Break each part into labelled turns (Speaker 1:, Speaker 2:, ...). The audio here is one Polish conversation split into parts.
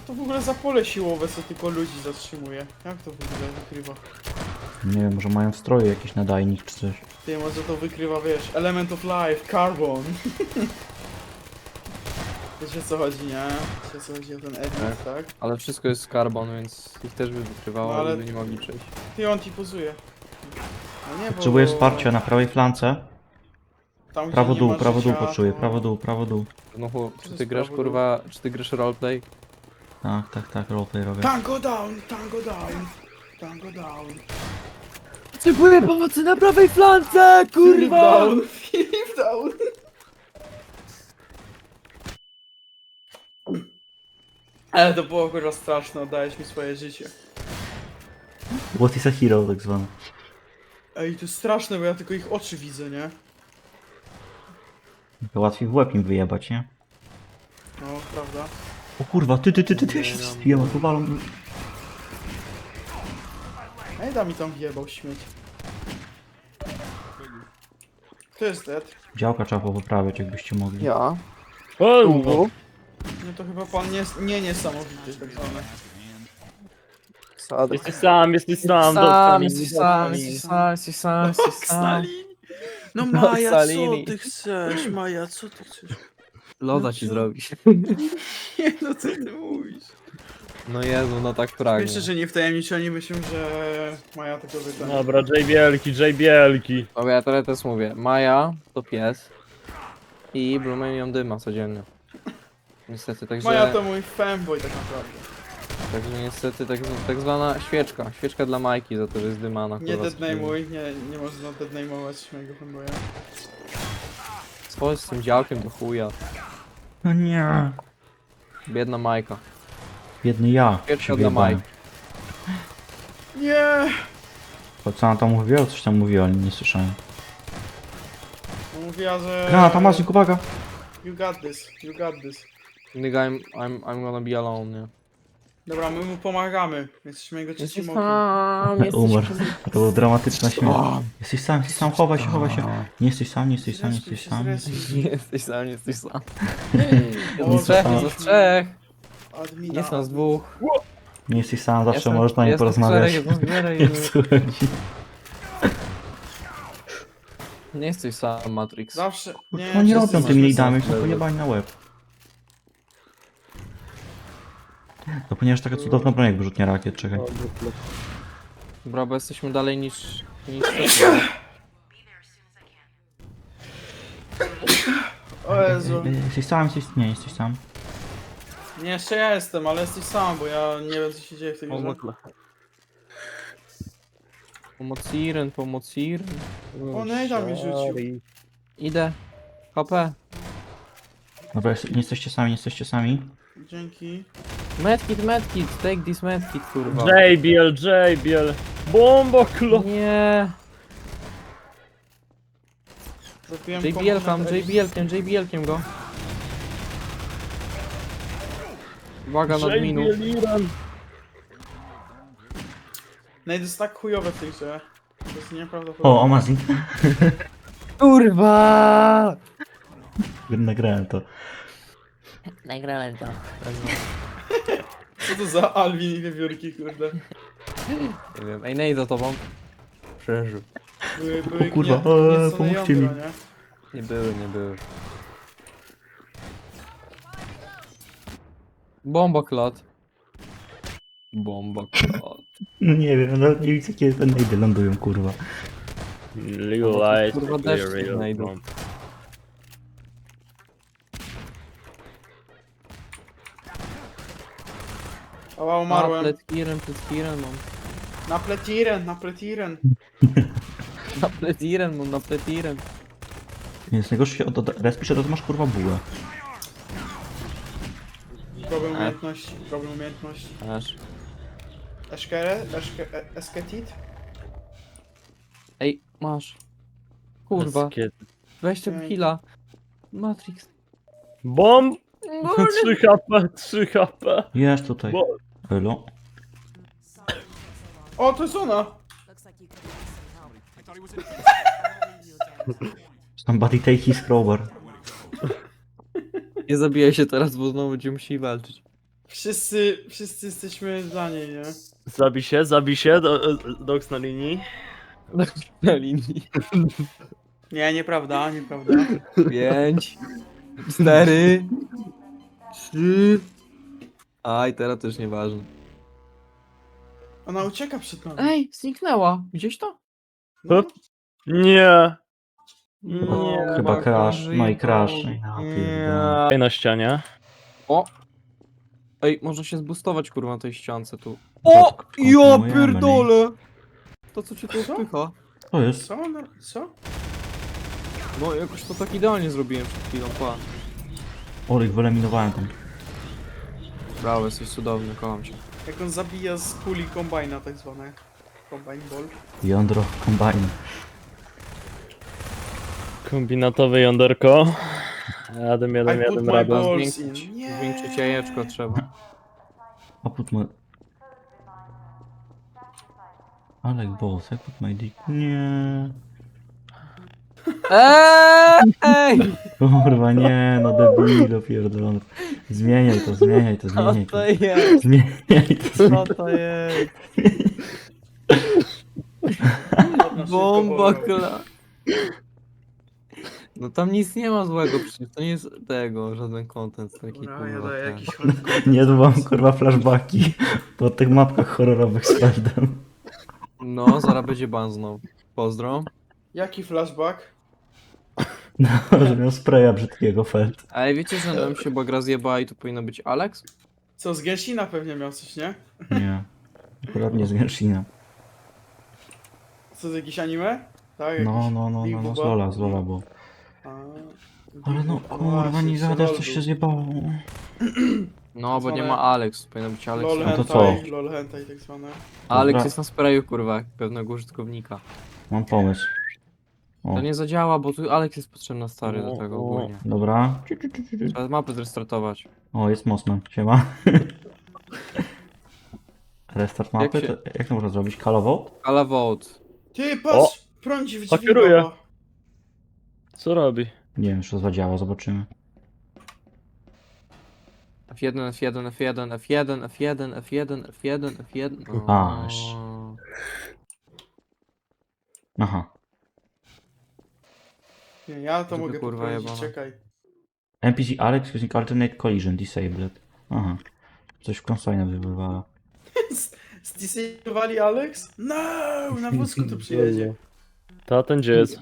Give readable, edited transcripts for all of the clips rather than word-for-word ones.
Speaker 1: to w ogóle za pole siłowe, co tylko ludzi zatrzymuje? Jak to w ogóle wykrywa?
Speaker 2: Nie wiem, może mają w stroju jakiś nadajnik czy coś.
Speaker 1: Ty, może to wykrywa, wiesz, element of life, carbon. Wiecie o co chodzi, nie? Wiecie o co chodzi o ten element, tak?
Speaker 3: Ale wszystko jest z carbon, więc ich też by wykrywało,
Speaker 1: No, ale-
Speaker 3: ale by nie mogli przejść.
Speaker 1: Ty, on ci pozuje. No nie, bo...
Speaker 2: Potrzebuję wsparcia na prawej flance.
Speaker 1: Tam, gdzie
Speaker 2: Prawo
Speaker 1: nie
Speaker 2: dół,
Speaker 1: ma
Speaker 2: prawo dół
Speaker 1: życia,
Speaker 2: poczuję,
Speaker 1: to-
Speaker 2: prawo dół, prawo dół.
Speaker 3: No chłop,
Speaker 1: Co
Speaker 3: czy
Speaker 1: to
Speaker 3: ty
Speaker 1: jest
Speaker 3: grasz
Speaker 1: prawo
Speaker 3: kurwa, czy ty grasz roleplay?
Speaker 2: Tak, roleplay robię.
Speaker 1: Tango down, tango down, tango down.
Speaker 3: Potrzebuję pomocy na prawej flance,
Speaker 1: Filip down, Filip down. Ale to było kurwa straszne, oddałeś mi swoje życie.
Speaker 2: What is a hero tak zwane.
Speaker 1: Ej, to jest straszne, bo ja tylko ich oczy widzę, nie?
Speaker 2: To łatwiej w łeb im wyjebać, nie?
Speaker 1: No, prawda.
Speaker 2: O kurwa, ty, ja się zbiłem, tu walą.
Speaker 1: Ej, da mi tam wjebał śmieć. Kto jest dead?
Speaker 2: Działka trzeba poprawiać, jakbyście mogli.
Speaker 3: Ja.
Speaker 4: O,
Speaker 1: No to chyba pan niesamowity, tak zwany.
Speaker 3: Sadek.
Speaker 4: jesteś sam,
Speaker 3: Jesteś sam.
Speaker 1: Stalin! No
Speaker 3: No,
Speaker 1: Maja, co
Speaker 3: Salini.
Speaker 1: ty chcesz? Maja, co ty chcesz?
Speaker 3: Loda ci zrobić.
Speaker 1: Nie no, co ty mówisz?
Speaker 3: No Jezu, no tak pragnie.
Speaker 1: Jeszcze, że nie wtajemniczeni myślą, że Maja tego wyda.
Speaker 4: Dobra, J Bielki.
Speaker 3: Dobra, ja teraz mówię. Maja to pies. I Blumen ją dyma codziennie. Niestety, także...
Speaker 1: Maja to mój fanboy tak naprawdę.
Speaker 3: Także niestety tak zwana świeczka. Świeczka dla Majki za to, że jest dymana.
Speaker 1: Nie
Speaker 3: kurwa,
Speaker 1: deadname'uj, nie można deadname'ować mojego fanboya.
Speaker 3: Swoje z tym działkiem do chuja.
Speaker 2: No nie.
Speaker 3: Biedna Majka.
Speaker 2: Biedny ja.
Speaker 3: Świeczka
Speaker 2: się
Speaker 3: dla
Speaker 2: wyjebałem.
Speaker 3: Majki.
Speaker 1: Nie!
Speaker 2: To co ona tam mówiła? Coś tam mówiła, ale nie słyszałem.
Speaker 1: Mówiła, że...
Speaker 2: Granat, Amazing, uwaga!
Speaker 1: You got this, you got this.
Speaker 3: Nigga, I'm gonna be alone, nie?
Speaker 1: Dobra, my mu pomagamy. Jesteśmy jego trzecim
Speaker 3: Jesteś
Speaker 1: okiem.
Speaker 3: sam, jesteś
Speaker 2: Umarł.
Speaker 3: sam.
Speaker 2: To była dramatyczna śmierć.
Speaker 3: O,
Speaker 2: Jesteś sam, chowaj się. Nie jesteś sam, nie jesteś sam, nie
Speaker 1: Zrespił
Speaker 2: jesteś
Speaker 1: się,
Speaker 2: sam.
Speaker 1: zrespił.
Speaker 3: Nie jesteś sam, nie jesteś sam.
Speaker 1: O,
Speaker 3: Jest trzech,
Speaker 2: sam.
Speaker 3: jest trzech.
Speaker 1: Admina.
Speaker 3: Jest nas dwóch.
Speaker 2: Nie jesteś sam, zawsze
Speaker 3: Jestem-
Speaker 2: możesz na nie
Speaker 3: jestem
Speaker 2: porozmawiać.
Speaker 3: czterech, jestem czterech,
Speaker 2: Nie słuchaj.
Speaker 3: Nie jesteś sam, Matrix.
Speaker 1: Zawsze... Nie,
Speaker 2: No nie
Speaker 1: wszyscy
Speaker 2: robią tymi
Speaker 1: są-
Speaker 2: lidami, są pojebani na łeb. To ponieważ taka cudowna broń jak wyrzutnia rakiet, czekaj.
Speaker 3: Dobra, bo jesteśmy dalej niż
Speaker 1: O Jezu.
Speaker 2: Jesteś sam, nie jesteś sam.
Speaker 1: Nie, jeszcze ja jestem, ale jesteś sam, bo ja nie wiem co się dzieje w tej grze.
Speaker 3: Pomociren, pomociren.
Speaker 1: O, Nejda mi rzucił.
Speaker 3: Idę. HP.
Speaker 2: Dobra, nie jesteście sami.
Speaker 1: Dzięki.
Speaker 3: Medkit, take this medkit, kurwa.
Speaker 4: JBL. Bomboklo.
Speaker 3: Nie.
Speaker 1: Zabiłem
Speaker 3: JBL-kiem go. Uwaga, nad miną.
Speaker 4: JBL Iran.
Speaker 1: Nejda jest tak chujowe w tej grze. To jest nieprawdopodobne.
Speaker 2: O, Amazing.
Speaker 3: Kurwa!
Speaker 2: Nagrałem to.
Speaker 3: Nagrałem to.
Speaker 1: Co to za Alvin i wiewiórki, kurde.
Speaker 3: Nie wiem. Ej, nej za tobą. Przeżył.
Speaker 1: Były
Speaker 2: O kurwa,
Speaker 1: gniecone
Speaker 2: pomóżcie
Speaker 1: jądra,
Speaker 2: mi.
Speaker 1: nie?
Speaker 3: Nie były. Bomboklot.
Speaker 2: No nie wiem, nawet nie widzę kiedy te najdy lądują, kurwa.
Speaker 4: Legalize.
Speaker 3: Kurwa, deszcz tu znajdą.
Speaker 1: Ała, umarłem.
Speaker 3: Pletiren mam.
Speaker 1: Na pletiren, na pletiren.
Speaker 3: Na pletiren.
Speaker 2: Więc najgorsze się respisz, to masz kurwa bułę.
Speaker 1: Problem umiejętności.
Speaker 3: Aż.
Speaker 1: Esketit?
Speaker 3: Ej, masz. Kurwa, weź tego heala. Matrix.
Speaker 4: Bomb. 3 HP.
Speaker 2: Jest tutaj.
Speaker 4: Bo-
Speaker 2: Elo.
Speaker 1: O, to jest ona!
Speaker 2: Somebody take his crowbar.
Speaker 3: Nie zabijaj się teraz, bo znowu będziemy musieli walczyć.
Speaker 1: Wszyscy jesteśmy dla niej, nie?
Speaker 4: Zabij się, Dox na linii.
Speaker 3: Na linii.
Speaker 1: Nie, nieprawda, nieprawda.
Speaker 3: 5, 4, 3. Aj, teraz to już nieważne.
Speaker 1: Ona ucieka przed nami.
Speaker 3: Ej, zniknęła. Gdzieś to?
Speaker 1: No,
Speaker 4: Nie.
Speaker 3: Nie.
Speaker 2: Chyba crash, no i
Speaker 3: żyje,
Speaker 2: crash.
Speaker 3: to-
Speaker 2: Ja pierdolę.
Speaker 4: Nie. Na ścianie.
Speaker 3: O! Ej, można się zbustować kurwa na tej ściance tu.
Speaker 2: O!
Speaker 3: O! Ja
Speaker 2: kontynuujemy,
Speaker 3: pierdolę! To co cię tu
Speaker 1: Co?
Speaker 3: wpycha?
Speaker 2: To jest.
Speaker 1: co? No, co?
Speaker 3: No jakoś to tak idealnie zrobiłem przed chwilą, pa.
Speaker 2: Orych, wyeliminowałem tam.
Speaker 3: Brawo, jesteś cudowny, kocham cię.
Speaker 1: Jak on zabija z kuli kombajna tak zwane. Combine ball.
Speaker 2: Jądro kombajn.
Speaker 4: Kombinatowe jąderko. Jadę,
Speaker 1: I put my
Speaker 4: radę.
Speaker 1: balls
Speaker 3: Zwiększyć,
Speaker 1: in. Nie.
Speaker 3: zwiększyć jajeczko trzeba.
Speaker 2: I put my... I like balls, I put my dick. Nie.
Speaker 3: Ej!
Speaker 2: Kurwa, nie, no debilu pierdolony. Zmieniaj to, zmieniaj to,
Speaker 3: Co
Speaker 2: zmieniaj to.
Speaker 3: to jest?
Speaker 2: Zmieniaj to, zmieniaj
Speaker 3: Co to jest?
Speaker 1: Ona
Speaker 3: Bomba
Speaker 1: szybko wolała.
Speaker 3: kla. No tam nic nie ma złego, przecież to nie jest tego, żaden content taki
Speaker 1: Dobra, ja
Speaker 3: kurwa.
Speaker 1: daję
Speaker 3: ten.
Speaker 1: jakiś hardcore.
Speaker 2: Nie dbam, kurwa, flashbacki po tych mapkach horrorowych z Feldem.
Speaker 3: No, zaraz będzie ban znowu. Pozdro.
Speaker 1: Jaki flashback?
Speaker 2: No, że miał spraya brzydkiego Feld.
Speaker 3: Ale wiecie, że nam się gra zjebała i tu powinno być Alex?
Speaker 1: Co, z Gensina pewnie miał coś, nie?
Speaker 2: Nie. Akurat nie z Genshina.
Speaker 1: Co, z jakiś anime? Tak,
Speaker 2: No,
Speaker 1: jakiś
Speaker 2: no, no,
Speaker 1: Big
Speaker 2: no, no,
Speaker 1: Booba?
Speaker 2: z Lola było.
Speaker 1: A,
Speaker 2: Ale no,
Speaker 1: Big
Speaker 2: kurwa,
Speaker 1: właśnie,
Speaker 2: nie gadasz,
Speaker 1: LOL
Speaker 2: coś się
Speaker 1: był.
Speaker 2: zjebało.
Speaker 3: No, bo nie
Speaker 1: Zwane-
Speaker 3: ma Alex, powinno być Alex.
Speaker 1: LOL
Speaker 2: No to
Speaker 1: hentai,
Speaker 2: co?
Speaker 1: LOL hentai tak zwane.
Speaker 3: Alex
Speaker 2: Dobra.
Speaker 3: jest na sprayu, kurwa, jak pewnego użytkownika.
Speaker 2: Mam pomysł. O,
Speaker 3: To nie zadziała, bo tu Alex jest potrzebna stary do tego ogólnie.
Speaker 2: dobra.
Speaker 3: Trzeba mapę zrestartować.
Speaker 2: O, jest Mossman, siema. Restart mapy?
Speaker 3: Jak się-
Speaker 2: Jak to można zrobić? Kalowo?
Speaker 3: Ale vote.
Speaker 1: Ty, patrz! Prądzi w drzwi,
Speaker 4: Hakieruje.
Speaker 1: baba.
Speaker 4: Co robi?
Speaker 2: Nie wiem, czy to zadziała, zobaczymy.
Speaker 3: F1, F1, F1, F1, F1, F1, F1, F1.
Speaker 2: Aż. Aha.
Speaker 1: Nie, ja to
Speaker 3: Żeby
Speaker 1: mogę
Speaker 3: kurwa
Speaker 1: poprawić,
Speaker 3: jebana.
Speaker 1: czekaj.
Speaker 2: NPC Alex using alternate collision disabled. Aha. Coś w konsoli wywalowała.
Speaker 1: Zdisejowali Alex? No! Na wózku tu przyjedzie.
Speaker 4: To ten gdzie jest?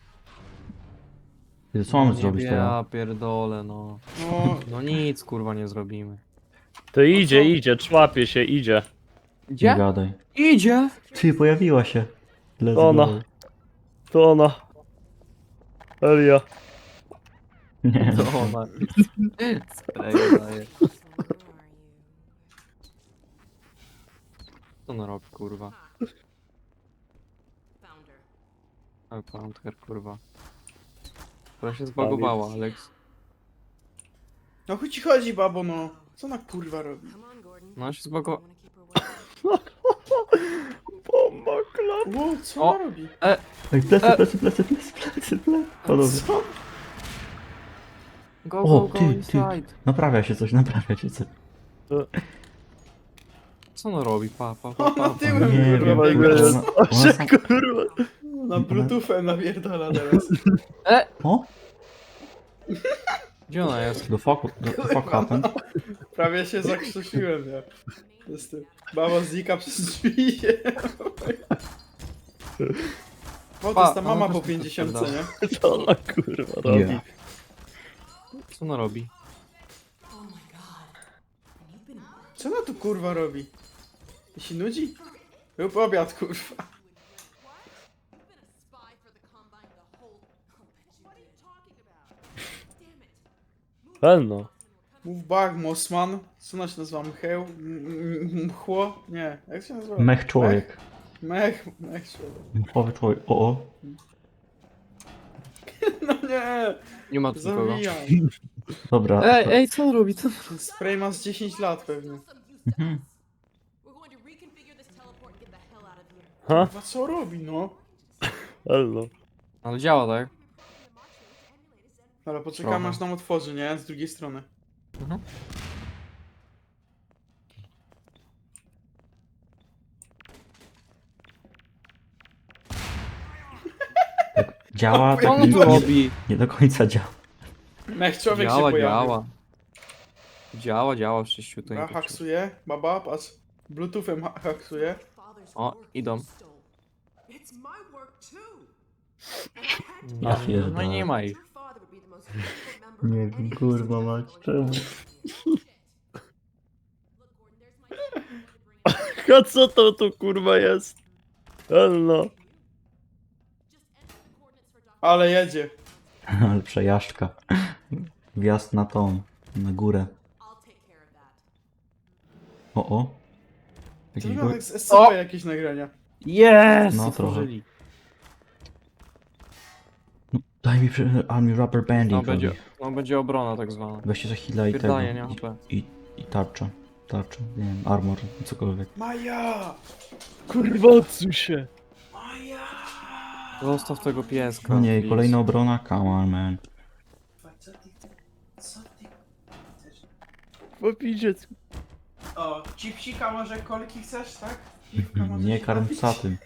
Speaker 2: Ty, co mamy zrobić teraz?
Speaker 3: Ja pierdolę, no.
Speaker 1: No,
Speaker 3: No nic, kurwa, nie zrobimy.
Speaker 4: To idzie,
Speaker 1: co?
Speaker 4: idzie, człapie się, idzie.
Speaker 2: Nie
Speaker 3: Gdzie?
Speaker 2: gadaj.
Speaker 3: Idzie!
Speaker 2: Ty, pojawiła się. Let's
Speaker 4: Ona.
Speaker 2: go.
Speaker 4: To ona. Elia.
Speaker 2: Nie.
Speaker 3: To ona. Sprayu daje. Co ona robi, kurwa? Ale Poundher, kurwa. Która się zbagowała, Alex.
Speaker 1: no chuj ci chodzi, babo, no. Co ona kurwa robi?
Speaker 3: No się zbagowała.
Speaker 4: Bomba klap.
Speaker 1: Ło, co
Speaker 3: O.
Speaker 1: ona robi?
Speaker 2: Ej, plecy. Podobnie.
Speaker 1: Co?
Speaker 3: Go,
Speaker 2: O,
Speaker 3: go, go
Speaker 2: ty.
Speaker 3: inside.
Speaker 2: Naprawia się coś.
Speaker 3: Co ona robi? Pa.
Speaker 1: Ona tyłem
Speaker 2: Nie
Speaker 1: kurwa
Speaker 2: wiem,
Speaker 1: biega.
Speaker 2: kurwa, ona sam...
Speaker 4: Kurwa.
Speaker 1: Na bluetoothem napierdala teraz.
Speaker 2: O?
Speaker 3: Gdzie ona jest?
Speaker 2: The fuck happened?
Speaker 1: Prawie się zakrztusiłem, ja. Jestem. Baba znika przez drzwi. O, to jest ta
Speaker 3: Pa,
Speaker 1: mama
Speaker 3: ona
Speaker 1: po
Speaker 3: też
Speaker 1: 50,
Speaker 3: tak
Speaker 1: nie?
Speaker 4: Co ona kurwa robi?
Speaker 2: Nie.
Speaker 3: Co ona robi?
Speaker 1: Co ona tu kurwa robi? Się nudzi? Rób obiad, kurwa.
Speaker 4: Pewno.
Speaker 1: Move back, Mossman. Co ona się nazywa? Mcheł? Mchło? Nie. Jak się nazywa?
Speaker 2: Mech człowiek.
Speaker 1: Mech człowiek.
Speaker 2: Mechowy człowiek. O.
Speaker 1: No nie!
Speaker 3: Nie ma tu nikogo.
Speaker 1: Zabijam.
Speaker 2: Dobra.
Speaker 3: Ej, co on robi? Co?
Speaker 1: Ten spray ma z 10 lat pewnie.
Speaker 2: Mhm.
Speaker 4: Ha?
Speaker 1: Kurwa, co robi, no?
Speaker 4: Hello.
Speaker 3: Ale działa, tak?
Speaker 1: Dobra, poczekamy
Speaker 3: Trochę.
Speaker 1: aż nam otworzy, nie? Z drugiej strony.
Speaker 3: Mhm.
Speaker 2: Działa,
Speaker 3: Co
Speaker 2: tak
Speaker 3: on tu robi?
Speaker 2: nie do końca działa.
Speaker 1: Mech człowiek się
Speaker 3: Działa,
Speaker 1: pojawił.
Speaker 3: działa. Działa, wszyściu tutaj.
Speaker 1: Ja haksuję, baba, patrz. Bluetoothem haksuję.
Speaker 3: O, idą.
Speaker 5: It's my work too.
Speaker 2: Ja pierdolę.
Speaker 3: No i nie ma ich.
Speaker 5: Your father would be the most difficult member
Speaker 2: Nie
Speaker 5: of
Speaker 2: wiem,
Speaker 5: any
Speaker 2: kurwa mać, czemu?
Speaker 4: A co to tu kurwa jest? Helno.
Speaker 1: Ale jedzie.
Speaker 2: Ale przejażdżka. Wjazd na tą, na górę. O.
Speaker 1: To
Speaker 2: Jakiś
Speaker 1: wygląda
Speaker 2: gór...
Speaker 1: jak z SCP jakieś nagrania.
Speaker 3: Jest!
Speaker 2: No,
Speaker 3: Otworzyli.
Speaker 2: No, daj mi army rubber banding.
Speaker 3: No będzie obrona tak zwana.
Speaker 2: Weźcie za heal'a i tego.
Speaker 3: Wydaje, nie HP.
Speaker 2: I tarcza. Tarcza, nie wiem, armor, cokolwiek.
Speaker 1: Maja!
Speaker 4: Kurwa odsuń się.
Speaker 1: Maja!
Speaker 3: Zostaw tego pieska.
Speaker 2: No nie,
Speaker 3: please.
Speaker 2: kolejna obrona, come on man.
Speaker 1: Co ty chcesz?
Speaker 4: Popidziec.
Speaker 1: O, chipsika może kolki chcesz, tak? Piwka może
Speaker 2: Nie
Speaker 1: się
Speaker 2: karm
Speaker 1: napić?
Speaker 2: psa tym.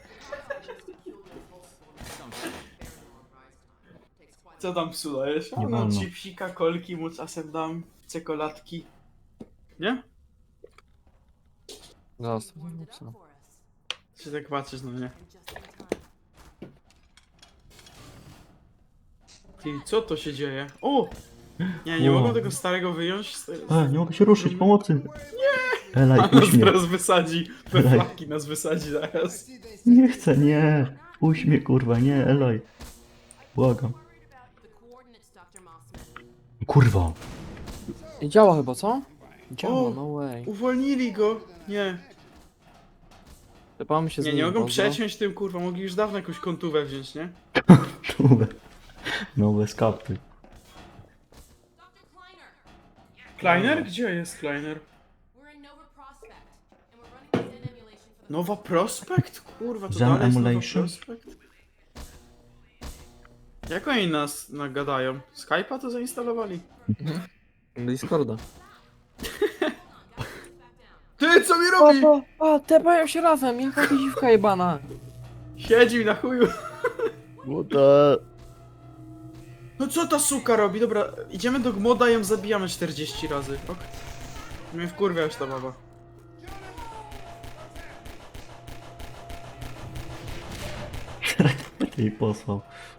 Speaker 1: Co tam psu dajesz?
Speaker 2: Nie
Speaker 1: No
Speaker 2: wolno.
Speaker 1: chipsika, kolki mu czasem dam, czekoladki. Nie?
Speaker 3: Zostaw tego psa.
Speaker 1: Czy tak patrzysz na mnie? Ty, co to się dzieje? O! Nie
Speaker 2: Wow.
Speaker 1: mogę tego starego wyjąć.
Speaker 2: Nie mogę się ruszyć, pomocy! Nie! Elaj,
Speaker 1: A nas
Speaker 2: uśmiech.
Speaker 1: zaraz wysadzi. We
Speaker 2: Daj.
Speaker 1: flaki nas wysadzi zaraz.
Speaker 2: Nie chcę, nie! Uśmiech, kurwa, nie, Eloj. Błagam. Kurwa!
Speaker 3: I działa chyba, co? Działa,
Speaker 1: O!
Speaker 3: no way.
Speaker 1: Uwolnili go. Nie.
Speaker 3: Tepamy się z
Speaker 1: Nie,
Speaker 3: nim,
Speaker 1: nie mogą
Speaker 3: pozdro.
Speaker 1: przeciąć tym, kurwa. Mogli już dawno jakąś kontówę wziąć, nie?
Speaker 2: Czułe. No bez kapy.
Speaker 1: Kleiner? Gdzie jest Kleiner? Nowa Prospect? Kurwa, to
Speaker 2: Zen
Speaker 1: dalej jest Nowa
Speaker 2: Emulation?
Speaker 1: Prospect? Jak oni nas nagadają? Skype'a to zainstalowali?
Speaker 3: Discorda.
Speaker 1: Ty, co mi robi?
Speaker 3: Tepają się razem, jaka dziwka jebana.
Speaker 1: Siedzi mi na chuju.
Speaker 4: What
Speaker 1: No co ta suka robi? Dobra, idziemy do Gmoda i ją zabijamy 40 razy. Ok. Mnie wkurwia już ta baba.
Speaker 2: I posłał.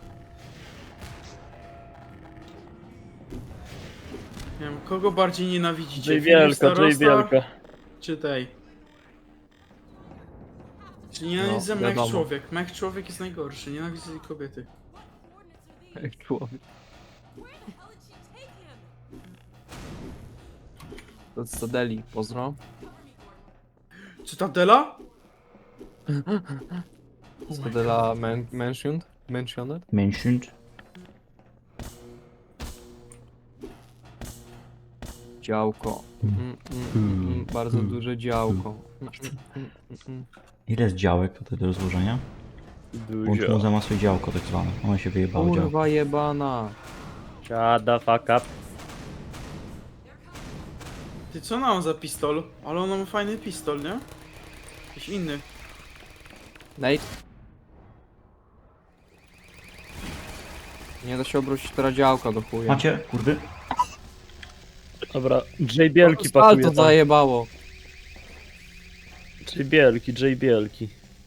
Speaker 1: Nie wiem, kogo bardziej nienawidzicie?
Speaker 4: J
Speaker 1: Filip
Speaker 4: wielka, J
Speaker 1: Starosta
Speaker 4: wielka.
Speaker 1: czy tej? Czy nienawidzę
Speaker 3: No,
Speaker 1: Mech
Speaker 3: wiadomo.
Speaker 1: Człowiek? Mech Człowiek jest najgorszy, nienawidzę tej kobiety.
Speaker 3: Jak człowiek. To Stadeli, pozdro.
Speaker 1: Czy ta Dela?
Speaker 3: Stadela mentioned?
Speaker 2: Mentioned.
Speaker 3: Działko. Bardzo duże działko.
Speaker 2: Ile jest działek tutaj do rozłożenia? Łącz
Speaker 4: Dużo.
Speaker 2: muza ma swoje działko tak zwane. Ono się wyjebało działko.
Speaker 3: Kurwa jebana.
Speaker 4: Shut the fuck up.
Speaker 1: Ty co ona ma za pistol? Ale ona ma fajny pistol, nie? Jakiś inny.
Speaker 3: Nate. Nie da się obrócić teraz działka do chuja.
Speaker 2: Macie, kurwy?
Speaker 4: Dobra, J Bielki
Speaker 3: Spal
Speaker 4: pakuje
Speaker 3: to
Speaker 4: tam.
Speaker 3: zajebało.
Speaker 4: J Bielki.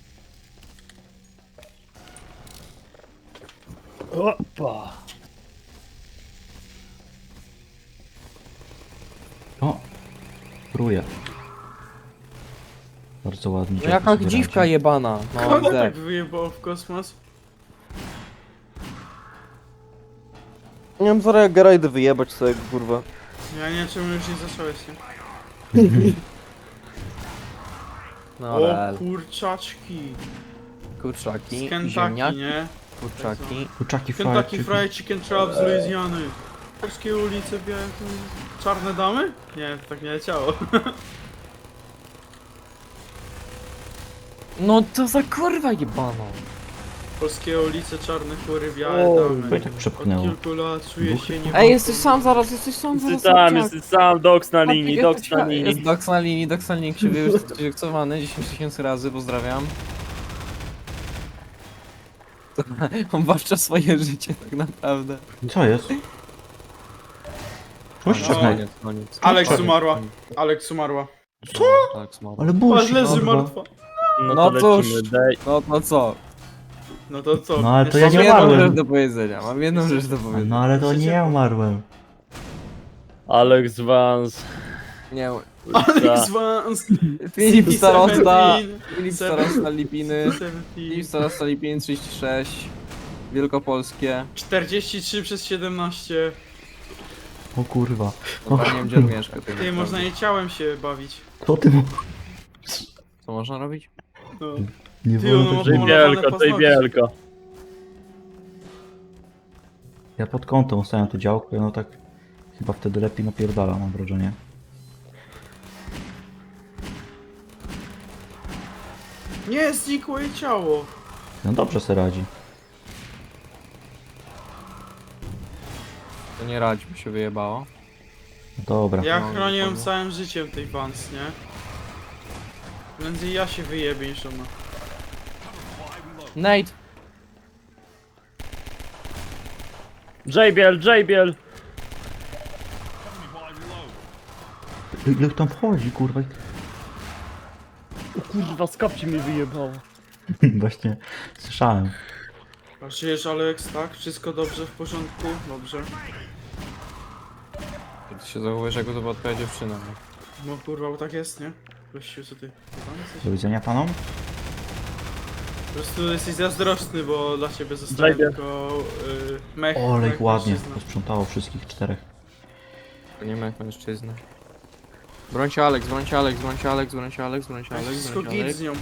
Speaker 4: Opa.
Speaker 2: O! Pruje. Bardzo ładnie.
Speaker 3: No jaka dziwka jebana. No
Speaker 1: Kogo
Speaker 3: widzę.
Speaker 1: tak wyjebało w kosmos?
Speaker 3: Nie wiem, zaraz jak Gerajdy wyjebać sobie, kurwa.
Speaker 1: Ja nie wiem, czemu już nie zacząłeś, nie?
Speaker 3: No
Speaker 1: O
Speaker 3: rel.
Speaker 1: kurczaczki.
Speaker 3: Kurczaki,
Speaker 1: Z Kentucky,
Speaker 3: ziemniaki,
Speaker 1: nie?
Speaker 3: kurczaki.
Speaker 2: Kurczaki
Speaker 1: Kentucky
Speaker 2: fried
Speaker 1: Fried Chicken Trap z Luizjany. Polskie ulice, białe... Czarne damy? Nie, to tak nie leciało.
Speaker 3: No to za kurwa jebana.
Speaker 1: Polskie ulice, czarne chóry, białe
Speaker 4: O,
Speaker 1: damy.
Speaker 2: Bo i tak
Speaker 1: Od
Speaker 2: przepchnęło.
Speaker 1: kilku lat czuję się nie...
Speaker 3: Ej, jesteś sam zaraz, jesteś sam
Speaker 4: Jesteś
Speaker 3: zaraz.
Speaker 4: sam, jesteś sam, doks na linii, doks na
Speaker 3: Jest
Speaker 4: linii.
Speaker 3: doks na linii, krzywy już aktywowany 10 000 razy, pozdrawiam. On walczy swoje życie tak naprawdę.
Speaker 2: Co jest? Cześć,
Speaker 1: No.
Speaker 2: czekaj.
Speaker 3: Koniec.
Speaker 1: Alex
Speaker 2: Czekaj.
Speaker 1: umarła. Alex umarła.
Speaker 3: Co? Tak, smało.
Speaker 2: Ale
Speaker 1: Patrz,
Speaker 2: bullshit,
Speaker 1: leży
Speaker 2: kurwa.
Speaker 1: martwa.
Speaker 4: No
Speaker 3: No
Speaker 4: to
Speaker 3: cóż.
Speaker 4: lecimy, daj.
Speaker 3: No co?
Speaker 1: No to co?
Speaker 2: No, ale to
Speaker 1: Jeszcze
Speaker 2: ja nie
Speaker 3: Mam jedną
Speaker 2: umarłem.
Speaker 3: rzecz do powiedzenia, mam jedną rzecz do powiedzenia.
Speaker 2: No ale to nie ja umarłem.
Speaker 4: Alex Vance.
Speaker 3: Nie,
Speaker 1: Alex Vance.
Speaker 3: Filip Starosta,
Speaker 1: 17,
Speaker 3: Filip Starosta Lipiny,
Speaker 1: 17,
Speaker 3: Filip Starosta Lipiny 36, Wielkopolskie.
Speaker 1: 43 przez 17.
Speaker 2: O kurwa.
Speaker 3: No nie wiem gdzie on mieszka. tak
Speaker 1: Ty,
Speaker 3: naprawdę.
Speaker 1: można jej ciałem się bawić.
Speaker 2: Co ty mu...
Speaker 3: Co można robić?
Speaker 1: No.
Speaker 2: Nie
Speaker 1: Ty,
Speaker 2: wolno
Speaker 1: ono
Speaker 2: tak
Speaker 1: ma
Speaker 2: mówić.
Speaker 1: pomalowane
Speaker 4: Żejbielko,
Speaker 1: paznokcie.
Speaker 4: żejbielko.
Speaker 2: Ja pod kątem ustawiam to działko, no tak... Chyba wtedy lepiej napierdala, mam wrażenie.
Speaker 1: Nie, znikło jej ciało.
Speaker 2: No dobrze se radzi.
Speaker 3: To nie radzi, mi się wyjebało.
Speaker 2: Dobra.
Speaker 1: Ja
Speaker 3: No,
Speaker 1: chronię ją
Speaker 3: dokładnie.
Speaker 1: całym życiem tej Vance, nie? Prędzej ja się wyjebię niż ona.
Speaker 3: Nate!
Speaker 4: Żejbiel, żejbiel.
Speaker 2: Jak tam wchodzi, kurwa?
Speaker 4: O kurwa, z kapci mi wyjebało.
Speaker 2: Właśnie słyszałem.
Speaker 1: A żyjesz, Alex, tak? Wszystko dobrze, w porządku? Dobrze.
Speaker 3: Ty się zachowujesz jakby to była twoja dziewczyna. nie?
Speaker 1: No kurwa, bo tak jest, nie? Gościu, co ty? Chyba jesteś?
Speaker 2: Do widzenia panom?
Speaker 1: Po prostu jesteś zazdrosny, bo dla ciebie zostałem
Speaker 4: Zajdę.
Speaker 1: tylko mech.
Speaker 2: Olej,
Speaker 1: mech
Speaker 2: ładnie.
Speaker 1: mężczyzna.
Speaker 2: Posprzątało wszystkich czterech.
Speaker 3: To nie ma jak mężczyzna. Brońcie Alex, brońcie Alex, brońcie Alex, brońcie Alex, brońcie Alex,
Speaker 1: Wszystko
Speaker 3: brońcie
Speaker 1: git
Speaker 3: Alex.
Speaker 1: z nią.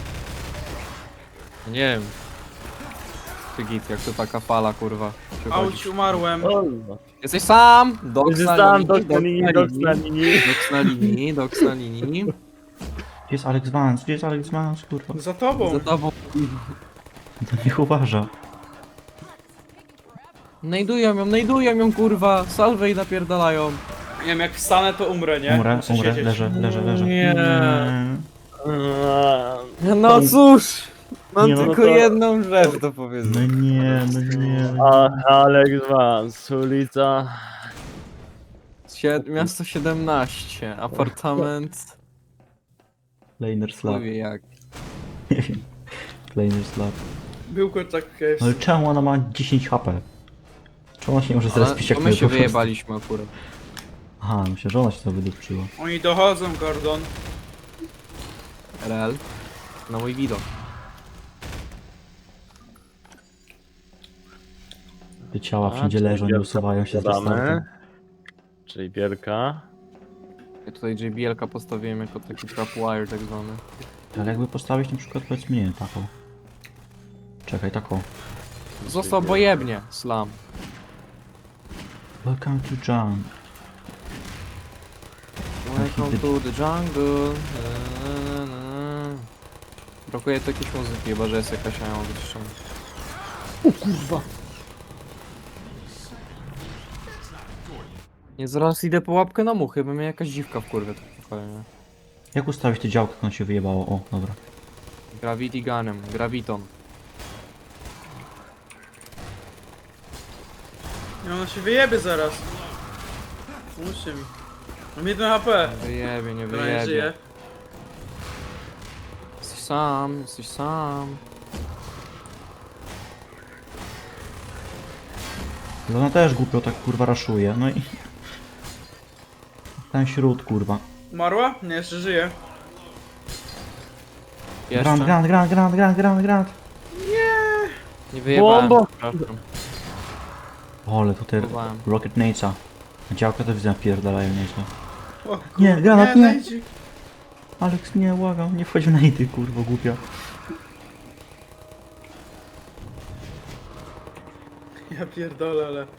Speaker 3: Nie wiem. Ty git, jak to taka fala, kurwa.
Speaker 1: Auć,
Speaker 3: Przychodzisz.
Speaker 1: umarłem.
Speaker 4: Kurwa.
Speaker 3: Jesteś sam! Doks na
Speaker 4: Zostałem
Speaker 3: linii,
Speaker 4: doks na linii, doks na linii.
Speaker 3: Doks na linii, doks na linii.
Speaker 2: Gdzie jest Alex Vance? Gdzie jest Alex Vance, kurwa?
Speaker 1: Za tobą.
Speaker 3: Za tobą.
Speaker 2: To niech uważa.
Speaker 3: Najdują ją, kurwa. Salwej napierdalają.
Speaker 1: Nie wiem, jak wstanę, to umrę, nie?
Speaker 2: Umrę,
Speaker 1: Muszę
Speaker 2: umrę,
Speaker 1: siedzieć.
Speaker 2: leżę.
Speaker 3: Nie. No cóż! Mam
Speaker 2: Nie, no
Speaker 3: tylko
Speaker 4: to-
Speaker 3: jedną rzecz do
Speaker 2: No
Speaker 3: powiedzenia.
Speaker 2: nie, no nie.
Speaker 4: A, Alex Vance, ulica.
Speaker 3: Miasto 17, apartament.
Speaker 2: Laner slap.
Speaker 3: Nie wie jak.
Speaker 2: Nie wiem. Laner slap.
Speaker 1: Był tak
Speaker 2: No ale czemu ona ma 10 HP? Czemu ona się nie może
Speaker 3: Ale
Speaker 2: zrespić jak
Speaker 3: to my
Speaker 2: my
Speaker 3: się
Speaker 2: po prostu?
Speaker 3: wyjebaliśmy akurat.
Speaker 2: Aha, myślę, że ona się to wydupczyła.
Speaker 1: Oni dochodzą, Gordon.
Speaker 3: RL. Na mój widok.
Speaker 2: Te ciała
Speaker 4: A,
Speaker 2: wszędzie
Speaker 4: czyli
Speaker 2: leżą, nie
Speaker 4: wielka
Speaker 2: usuwają się z
Speaker 4: podkładamy.
Speaker 2: restartem.
Speaker 4: Żejbielka.
Speaker 3: Ja tutaj JBL-ka postawiłem jako taki trapwire tak zwany.
Speaker 2: Ale jakby postawić na przykład, powiedzmy, nie wiem, taką. Czekaj, taką.
Speaker 3: Został obojętnie, slam.
Speaker 2: Welcome to John.
Speaker 3: Welcome to the jungle. Na, na, na. Brakuje tu jakiejś muzyki, chyba że jest jakaś ja ją wyciszona. O kurwa! Nie, zaraz idę po łapkę na muchy, bo mnie jakaś dziwka w kurwie tak pokoju, nie?
Speaker 2: Jak ustawić te działka, jak ono się wyjebało? O, dobra.
Speaker 3: Gravity Gunem, Graviton.
Speaker 1: Nie, ona się wyjebie zaraz. Pomóżcie mi. Mam 1 HP.
Speaker 3: Wyjebie, nie
Speaker 1: Która nie
Speaker 3: wyjebie.
Speaker 1: żyje.
Speaker 3: Jesteś sam, jesteś sam.
Speaker 2: Ale ona też głupio tak kurwa raszuje, no i... Ten śród kurwa.
Speaker 1: Umarła? Nie, jeszcze żyje.
Speaker 3: Jeszcze?
Speaker 2: Grant.
Speaker 3: Nie wyjebałem,
Speaker 4: Bombo!
Speaker 3: przepraszam.
Speaker 2: O, ale tutaj
Speaker 3: Próbowałem.
Speaker 2: Rocket Nate'a. Działka to widzę napierdalają nieźle.
Speaker 1: O,
Speaker 2: Nie,
Speaker 1: kurwa,
Speaker 2: granat, nie.
Speaker 1: Nejdzik.
Speaker 2: Alex, nie, błagam, nie wchodź w Nate'y, kurwa, głupia.
Speaker 1: Ja pierdolę, ale...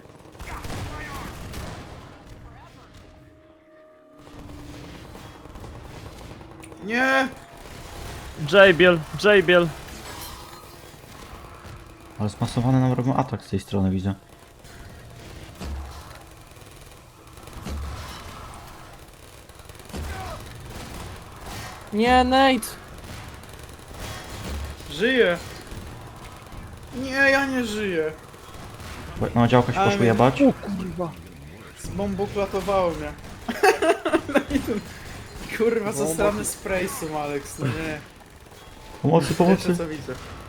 Speaker 1: Nie!
Speaker 4: Żejbiel, żejbiel.
Speaker 2: Ale zmasowany nam robią atak z tej strony, widzę.
Speaker 3: Nie, Nate!
Speaker 1: Żyje! Nie, ja nie żyję.
Speaker 2: No, działka się
Speaker 1: Ale
Speaker 2: poszło
Speaker 1: mnie-
Speaker 2: jebać.
Speaker 3: O kurwa.
Speaker 1: Zbomboklatowało mnie. No i ten... Kurwa,
Speaker 3: Bomba-
Speaker 1: zasrany spray są, Alex, no nie.
Speaker 2: Pomocy,
Speaker 1: Pierwsze
Speaker 2: pomocy.
Speaker 1: co widzę.